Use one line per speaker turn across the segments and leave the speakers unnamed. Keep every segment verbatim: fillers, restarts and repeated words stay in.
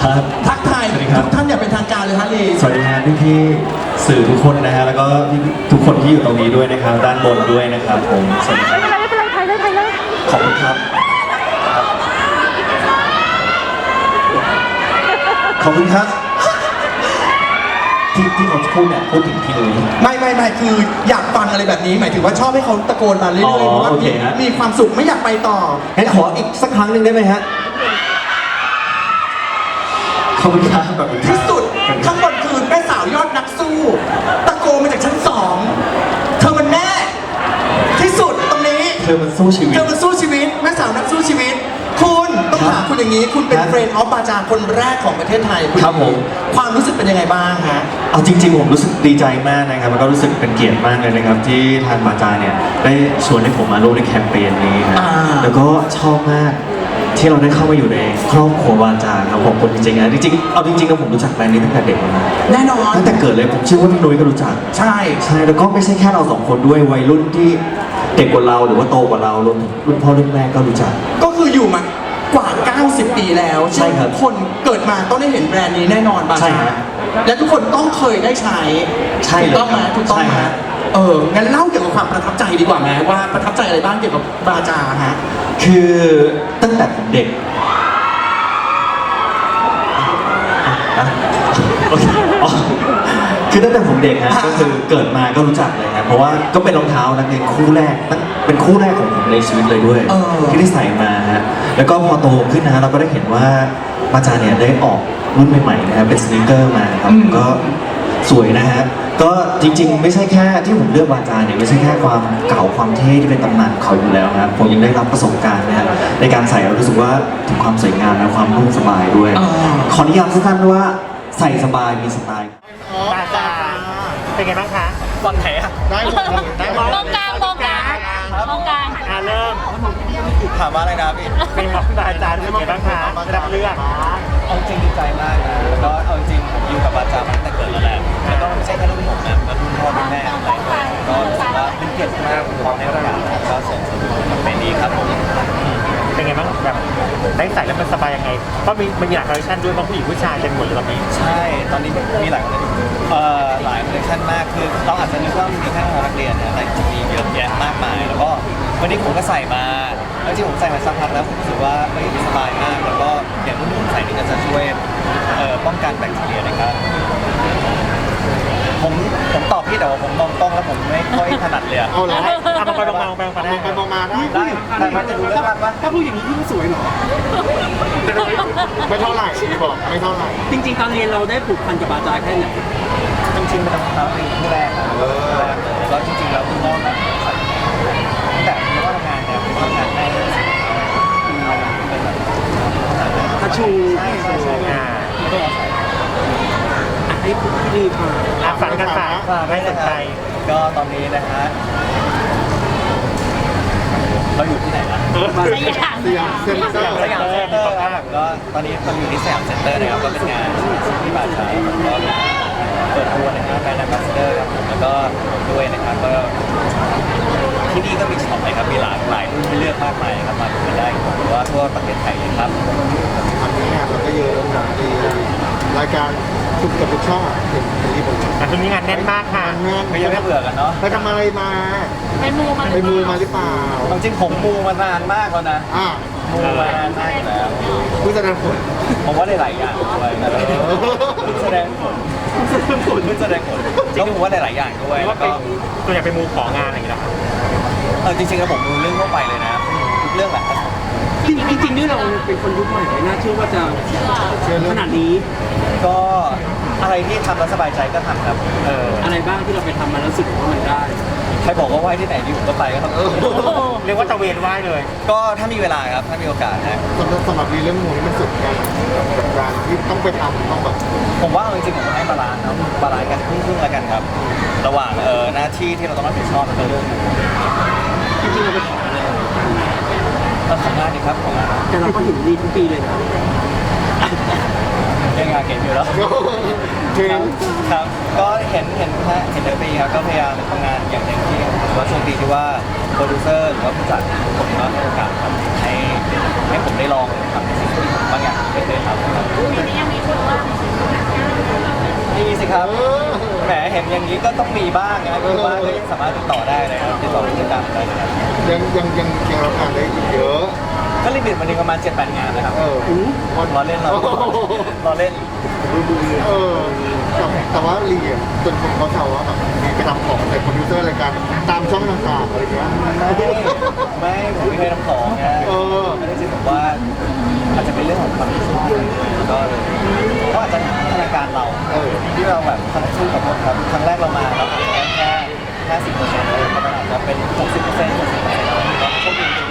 ครับ
ทักทายทุกท่านอย่างเป็นทางการเลยฮะลี
สวัสดีฮะพี่พี่ๆสื่อทุกคนนะฮะแล้วก็ทุกคนที่อยู่ตรงนี้ด้วยนะครับด้านบนด้วยนะครับผมสวัสดีครับ
ไม่เป็นไรไม่เป็นไรถ่ายเลยถ่ายเลย
ขอบคุณครับขอบคุณครับที่ที่เขาพูดเนี่ยพูดถึงพี่นุ้ย
ไม่ไม่ไม่คืออยากฟังอะไรแบบนี้หมายถึงว่าชอบให้เขาตะโกนมาเรื่อย
อ๋
ๆ
อ
เพราะว่า
โอเคฮะ
มีความสุขไม่อยากไปต่อ
งั้นขออีกสักครั้งหนึ่งได้ไหมฮะขอบคุณครับขอบคุณครับ
ที่สุดข้างบนคือแม่สาวยอดนักสู้ตะโกนมาจากชั้นสองเธอมันแน่ที่สุดตรงนี้
เธอมันสู้ชีวิต
เธอมันสู้ชีวิตแม่สาวนักสู้ชีวิต คุณต้องถามคุณอย่างนี้ คุณเป็น
ครับ
เฟรนด์ออฟบาจาคนแรกของประเทศไทยณ
ครับผม
ความรู้สึกเป็นยังไงบ้างฮะ
เอาจริงๆผมรู้สึกดีใจมากนะครับแล้วก็รู้สึกเป็นเกียรติมากเลยนะครับที่ทางบาจาเนี่ยได้ชวนให้ผมมาร่วมในแคมเปญนี้นะ
อ่า
แล้วก็ชอบมากที่เราได้เข้ามาอยู่ในครอบครัวบาจาครับผมคนจริงๆนะจริงๆเอาจริงๆแล้วผมรู้จักแบรนด์นี้ตั้งแต่เด็กแล้วนะ
แน่นอน
ตั้งแต่เกิดเลยผมเชื่อว่าพี่นุ้ยก็รู้จัก
ใช่
ใช่แล้วก็ไม่ใช่แค่เราสองคนด้วยวัยรุ่นที่เด็กกว่าเราหรือว่าโตกว่าเรารวมถึงรุ่นพ่อรุ่นแม่ก็รู้จัก
ก็คืออยู่มากว่า เก้าสิบ ปีแล้ว
ใช่ครับ
ทุกคนเกิดมาต้องได้เห็นแบรนด์นี้แน่นอนบา
ใช่
จา
ฮะ
และทุกคนต้องเคยได้ใช้
ใช่
ถูกต้องไหม
เลยครับ
ถูกต้องไหม
ใช่ฮะ
เอองั้นเล่าเกี่ยวกับความประทับใจดีกว่าไหมว่าประทับใจอะไรบ้างเกี่ยวกับบาจาฮะ
คือตั้งแต่ผมเด็กอ่ะโอเคอ๋อคือตั้งแต่ผมเด็กฮะก็คือเกิดมาก็รู้จักเลยครับเพราะว่าก็เป็นรองเท้านักเรียนคู่แรกตั้งเป็นคู่แรกของผมในชีวิตเลยด้วย
เออ
ที่ได้ใส่มาฮะแล้วก็พอโตขึ้นนะเราก็ได้เห็นว่าบาจาเนี่ยได้ออกรุ่นใหม่ๆนะครับเป็นสนิเกอร์มาครับก็สวยนะฮะก็จริงๆ ไม่ใช่แค่ที่ผมเลือกบาจาเนี่ยไม่ใช่แค่ความเก่าความเท่ที่เป็นตำนานของเขาอยู่แล้วนะครับผมยังได้รับประสบการณ์นะฮะในการใส่เรารู้สึกว่าถึงความสวยงามและความนุ่มสบายด้วย
อ่า
ขอนิยามสั้นๆว่าใส่สบายมีสไตล์
บาจาเป็นไงบ้างคะ
ตอนไหนอะ
ได้หมดได้
มองกลางมองกลางมองกลาง
อ่าเริ่ม
ถามว่าอะไรนะพี่
เป็นของบาจาเป็นไงบ้างคะได้รับเลือก
เอาจริงดีใจมากนะแล้วก็เอาจริงผมอยู่กับบาจามาตั้งแต่เกิดแล้วแหละแล้วก็ไม่ใช่แค่รุ่นผมนะแล้วรุ่นพ่อรุ่นแม่อะไรด้วยก็รู้สึกว่าเป็นเกียรติมากที่ผมได้โอกาสก็ส่งสนุนแคมเปญนี้ครับผม
เป็นไงบ้างแบบได้ใส่แล้วมันสบายยังไงเพราะมีมันมีหลายคอลเลคชันด้วยบางผู้หญิงผู้ชายเต็มหมดเลยตอนนี้
ใช่ตอนนี้มีหลายคนเอ่อหลายคอลเลคชันมากคือเราอาจจะนึกว่ามีแค่นักเรียนนะแต่จริงๆมีเยอะแยะมากมายแล้วก็วันนี้ผมก็ใส่มาแล้วที่ผมใส่มาสักพักแล้วผมรู้สึกว่าเฮ้ยสบายมากแล้วก็อย่างรุ่นผมใส่นี่ก็จะช่วยเอ่อป้องกันแบคทีเรียนะครับ ผมผมตอบพี่แต่ว่าผมมองกล้องแล้วผมไม่ค่อยถนัดเลยอะ
เอาเหรอ
เอามาไปมองมาไปมองมาได้
ไปมองมาได้
ได้แต่มันจะดูเรื่องว่า
ถ้าผู้หญิงยิ่งสวยเหรอ ไม่เท่าไหร่บอกไม่เท่าไหร่
จริงๆ ตอนเรียนเราได้ผูกพันกับบาจาแค่ไหน
จริงๆเป็นรองเท้าเป็นคู่แรกครับคู่แรกเลยแล้วจริงๆแล้วคุณพ่อนะใส่ตั้งแต่คุณพ่อทำงานเนี่ยคุณพ่อทำงานได้เป็นแบบ
ทัชชู
ใช่ใช่ใช่
อ่า
ก็ใส่
อ่ะให้พี่รีพา
อ่ะฝันกันฝากไม่สนใจ
ก็ตอนนี้นะฮะเราอยู่ที่ไหนล่ะ
สยาม
สยามเซ็นเตอร์
สยามเซ็นเตอร์ครับก็ตอนนี้เราอยู่ที่สยามเซ็นเตอร์นะครับก็เป็นงานที่บาชาก็เปิดตัวนะครับแบรนด์แอมบาสเดอร์ครับผมแล้วก็ด้วยนะครับก็ที่นี่ก็มีช็อปนะครับมีหลากหลายรุ่นให้เลือกมากมายนะครับมาดูกันได้หรือว่าทั่วประเทศไทยเลยครับ
อันนี้งานเราก็เยอะนะมีรายการทุกกับทุกช่องเห็นเป็นรีบเลย
แต่ช่วงนี้งานแน่นมากค่ะ
งาน
ไม่ยังไม่เบื่อกันเนาะ
ไปทำอะไรมา
ไปมูมัน
ไปมูมาหรือเปล่า
ความจริงผมมูมานานมากแล้วนะ
อ่า
มูมานานมากแล้ว
ผู้แสดงผล
ผมว่าได้หลายอย่างด้วยนะแสดงผลผลแสดงผลจริงๆผมว่าได้หลายอย่างด้วย
หรือ
แล้
ว่าว ไป
ก็
ตัวอย่างไปมูของานอะไรอย่างเงี้ยเหรอ
เออจริงๆแล้วผมดูเรื่องทั่วไปเลยนะทุกเรื่องแหละ
จริงๆจริงๆนี่เราเป็นคนยุคใหม่ไม่น่าเชื่อว่าจะ
เชื่อเรื่
ข
อง
นาดนี้
ก็อะไรที่ทำแล้วสบายใจก็ทำครับ
เออ
อะไรบ้างที่เราไปทำมาแล้วรู้สึกว่ามันได้
ใครบอกว่าไหว้ที่ไหนดีผมก็ไปก็ทำ
เรียกว่าตะเวนไหว้เลย
ก็ถ้ามีเวลาครับถ้ามีโอกาสนะ
สำหรับสำหรับรีเรื่องมูนี่มันสุดกันกับการที่ต้องไปทำต้องแบบ
ผมว่าเอาจริงๆผมให้บาลานซ์เนาะบาลานซ์กันครึ่งๆแล้วกันครับ ระหว่างเออหน้าที่ที่เราต้องรับผิดชอบแล้วก็เรื่อง
จริงๆเราไปขออะไร
เออของงานดีครับของงาน
แต่เราก็เห็นดีทุกปีเลยนะ
ยังงานเก่งอยู่แล้ว
เทร
ครับ
น
ครับก็เห็นเห็นฮะเห็นเดปีครับก็พยายามทำงานอย่างเต็มที่ถือว่าโชคดีที่ว่าโปรดิวเซอร์หรือว่าผู้จัดผมก็ให้โอกาสครับให้ให้ผมได้ลองทำในสิ่งที่ผมบางอย่างไม่เคยทำครับ
ปีนี้ยังมี
ครับแหมเห็นอย่างนี้ก็ต้องมีบ้างนะคือว่าก็ยังสามารถติดต่อได้เลยครับติดต่อผู้จัดการได้เลยครับ
ยังยังยังยังรับงานได้อีกเยอะ
ก็ลิมิตวันหนึงประมาณเจ็ดแปดงานนะครับ
เออ
รอเล่นเรารอเล่น
เออแต่แต่ว่าลีอ่ะจนคนเขาแซวว่าแบบมีไปทำของใส่คอมพิวเตอร์รายการตามช่องต่างๆอะไรเงี้ย
ไม่ผมไม่เคยทำของนะ
เออ
ไม่ได้จริงผมว่าอาจจะเป็นเรื่องของความชอบแล้วก็ก็อาจจะพัฒนาการเรา
เออ
ที่เราแบบทั้งสู้กับมันครับครั้งแรกเรามาเราอาจจะได้แค่ห้าสิบเปอร์เซ็นต์เลยเพราะมันอาจจะเป็นหกสิบเปอร์เซ็นต์หกสิบเปอร์เซ็นต์แล้วก็โชคดีจริง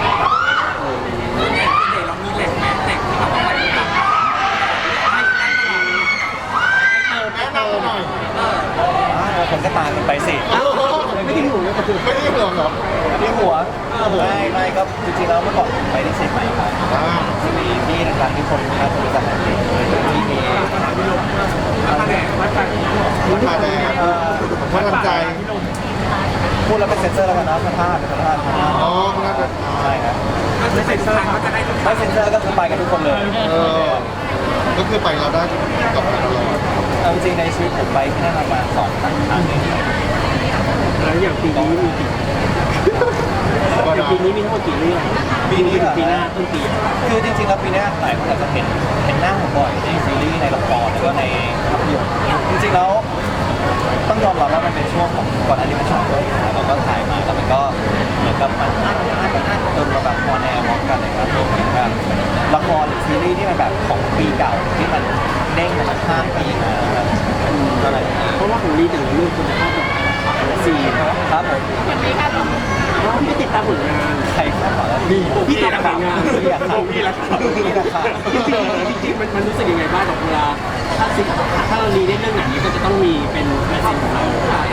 ๆคนก็ตามกันไปสิ
ไม่ได้ห่วงไม่ได้ห่วงหรอ
ที่หัวไม่ไม่ก็จริงๆแล้วเมื่อก่อนไปที่เชียงใหม่ครับ
อ่า
จะมีที่ดังๆที่คนน่าจะรู้จักกันดีที่มี
ราคาแดง
เอ่อ
พลังใจ
พูดแล้วเป็นเซนเซอร์แล้วกันนะพระธาตุเป็นพระธาตุ
อ๋อน่าจะ
ใช่ครับไม่เซนเซอร์ไม่เซนเซอร์ก็คือไปกันทุกคนเลย
เออก็คือไปเราได้กับตลอด
เอาจริงๆในชีวิตผมไปที่นั่นประมาณสองครั้งครั้งหนึง
แล้วอย่างปีนี้มีกี่
ก็
อย่าง
ได้
ปีนี้มีทั้งหมดกี่เรื่อง
ปีนี้เหรอ
ปีหน้าต้นปี
คือจริงๆแล้วปีหน้าหลายคนอาจจะเห็นเห็นหน้าผมบ่อยในซีรีส์ในละครแล้วก็ในภาพยนตร์จริงๆแล้วต้องยอมรับว่ามันเป็นช่วงของก่อนอันนี้มันช่วงโควิดนะเราก็ถ่ายมาแล้วมันก็เหมือนกับมันอัดอัดอัดจนเราแบบออนแอร์พร้อมกันเลยครับรวมถึงแบบละครหรือซีรีส์ที่มันแบบของปีเก่าที่มันเด้งมาข้ามปีมาครับอะไรอย่างเงี้ย
เพราะว่าของลีแต่ละเรื่องคุณภาพแบบสี่
ครับผม
วันนี้ค่ะ
เพราะพี่ติดตามผลงาน
ใครคาดหวังแล้ว
พี่พี่ติดตามผลงาน
พี่ราคาพี่ราคาพี่ราคา
จริงๆจริงๆมันมันรู้สึกยังไงบ้างกับเวลาถ้าสิถ้าเราลีได้เรื่องไหนก็จะต้องมีเป็นลายเซ็นของเรา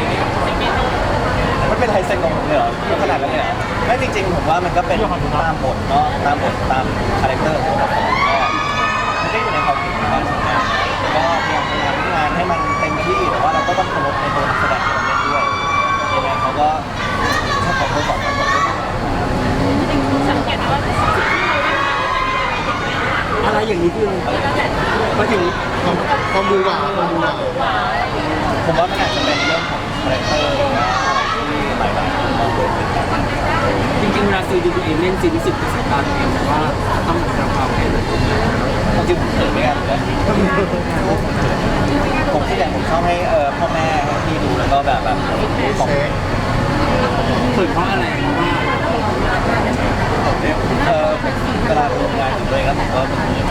มันเป็นลายเซ็นของผมเลยเหรอขนาดนั้นเลยเหรอไม่จริงๆผมว่ามันก็เป็นตามบทเนาะตามบทตามคาแรคเตอร์ของละครก็ไม่ได้อยู่ในความคิดของการทำงานก็พยายามทำงานงานให้มันเต็มที่แต่ว่าเราก็ต้องเคารพในตัวนักแสดงที่เราเล่นด้วยยังไงเขาก็ถ้าขอโทษก่อนขอโทษด้วย
สังเกตว่า
อะไรอย่างนี้คือมาถึง
ความความบูหวาความบูหวา
ผมว่ามันอาจจะเป็นเรื่องของคาแรคเตอร์หรือว่าอะไรที่หลายๆคนมองเห็นกัน
จริงๆเวลาซีดีตัวเองเล่นซีรู้สึกกับสายตาตัวเองว่าต้องทำความเห็น
จริงๆผมเขินไม่กันเลยผมที่อย่างผมชอบให้เออพ่อแม่ให้พี่ดูแล้วก็แบบแบบของ
เช็ค
เปิดเพราะอะไรเพราะว่า
เออเวลาทำงานกับตัวเองแล้วผมก็เป็นอย่างนี้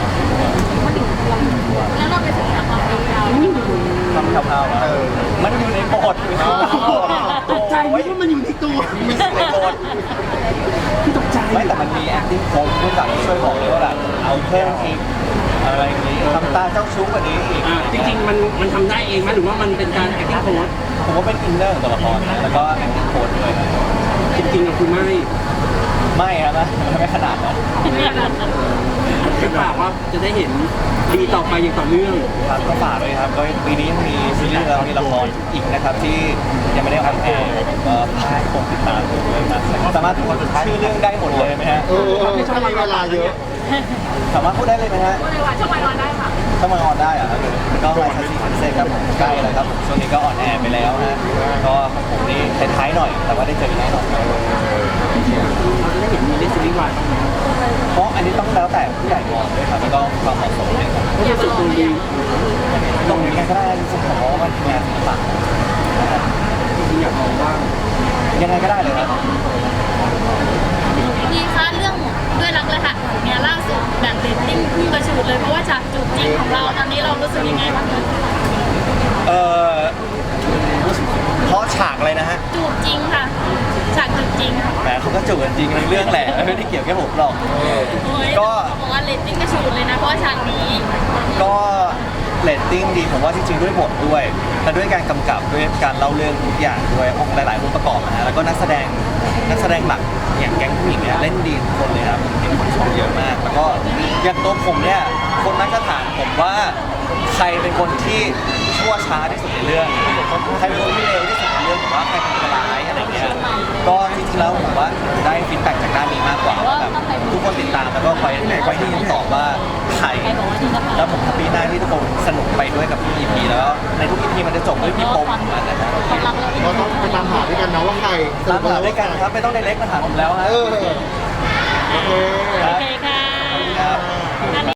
แล้วเราไปศึกษาความเป็นเรา
ทำคร่าวๆนะมันอยู่ในบทอยู่ในบท
ตกใจนึกว่ามันอยู่ในตัว
มีในบท
พี่ตกใจ
ไม่แต่มันมี acting coach ผู้จัดที่ช่วยบอกเลยว่าแบบเอาเพิ่มอีกอะไรอย่างนี้ทำตาเจ้าชู้กว่านี้อีก
อ่าจริงๆมันมันทำได้เองไหมหรือว่ามันเป็นการ acting coach
ผมว่าเป็นอินเนอร์ของตัวละครนะแล้วก็ acting coach ด้วยครับ
จริงๆอะคือไม่
ไม่ครับนะไม่ขนาดนั้น
คือปากว่าจะได้เห็นดีต่อไปอย่างต่อเนื่อง
ครับก็ฝากเลยครับก็ปีนี้ยังมีซีรีส์แล้วมีละครอีกนะครับที่ยังไม่ได้ออนแอร์ก็ให้คงติดตามดูด้วยนะสามารถพูดชื่อเรื่องได้หมดเลยไหมฮะ
เออถ้ามีเวลาเยอะ
สามารถพูดได้เลยไหมฮะ
พูดเลยว่าช่วงวันวันได้ค่ะ
ถ้ามาออนได้อะครับก็ไลน์ทัศน์คอนเซ็ปต์ครับผมใกล้แล้วครับผมช่วงนี้ก็ออนแอร์ไปแล้วนะก็ของผมนี่ท้ายๆหน่อยแต่ว่าได้เจอแน่นอนครับ
เราจะได้เห็นมีเล่นซีรีส์วายบ้างไหม
เพราะอันนี้ต้องแล้วแต่ผู้ใหญ่มองด้วยครับแล้วก็ความเหมาะสมด้วยครับ
เพราะรู้สึกตัวดี
ตรงนี้ก็ได้จริงๆผมว่ามันงานศิลปะนะครับ
จริงๆอยากลองบ้าง
ยังไงก็ได้เลยครับ
ดีคะเรื่องด้วยรักและหักเนี่ยล่าสุดแบบเรตติ้งพุ่งกระฉูดเลยเพราะว่าฉากจูบจริงของเราตอนนี้เรารู้สึกยังไงบ้างคะ
เอ่อเพราะฉากอะไรนะฮะ
จูบจริงค่ะฉากจูบจริง
แหมเขาก็จูบกันจริงในเรื่องแหละไม่ได้เกี่ยวแค่ผมหรอก
โอ้ย
ก็
เขาบอกว่าเรตติ้งกระฉูดเลยนะเพราะว่าฉากนี้
ก็เรตติ้งดีผมว่าจริงๆด้วยบทด้วยและด้วยการกำกับด้วยการเล่าเรื่องทุกอย่างด้วยองค์หลายๆองค์ประกอบนะฮะแล้วก็นักแสดงนักแสดงหลักอย่างแก๊งผู้หญิงเนี่ยเล่นดีทุกคนเลยครับผมเห็นคนชมเยอะมาก แล้วก็อย่างตัวผมเนี่ยคนมักจะถามผมว่าใครเป็นคนที่ชั่วช้าที่สุดในเรื่องใครเป็นคนที่เร็วที่สุดในเรื่องผมว่าใครเป็นคนร้ายอะไรเงี้ยก็จริงๆแล้วผมว่าได้ฟีดแบ็กจากด้านนี้มากกว่าว่าแบบทุกคนติดตามแล้วก็คอยคอยที่คำตอบว่าใครแล้วผมแฮปปี้มากที่ทุกคนสนุกไปด้วยกับทุก อี พี แล้วในทุก อี พี มันจะจบด้วยพี่ปมมันนะครับ
เราต้องไปตามหาด้วยกันนะว่าใคร
ตามหาด้วยกันครับไม่ต้องไดเรกมาถามผมแล้วฮะ
เออโอเค
โอเค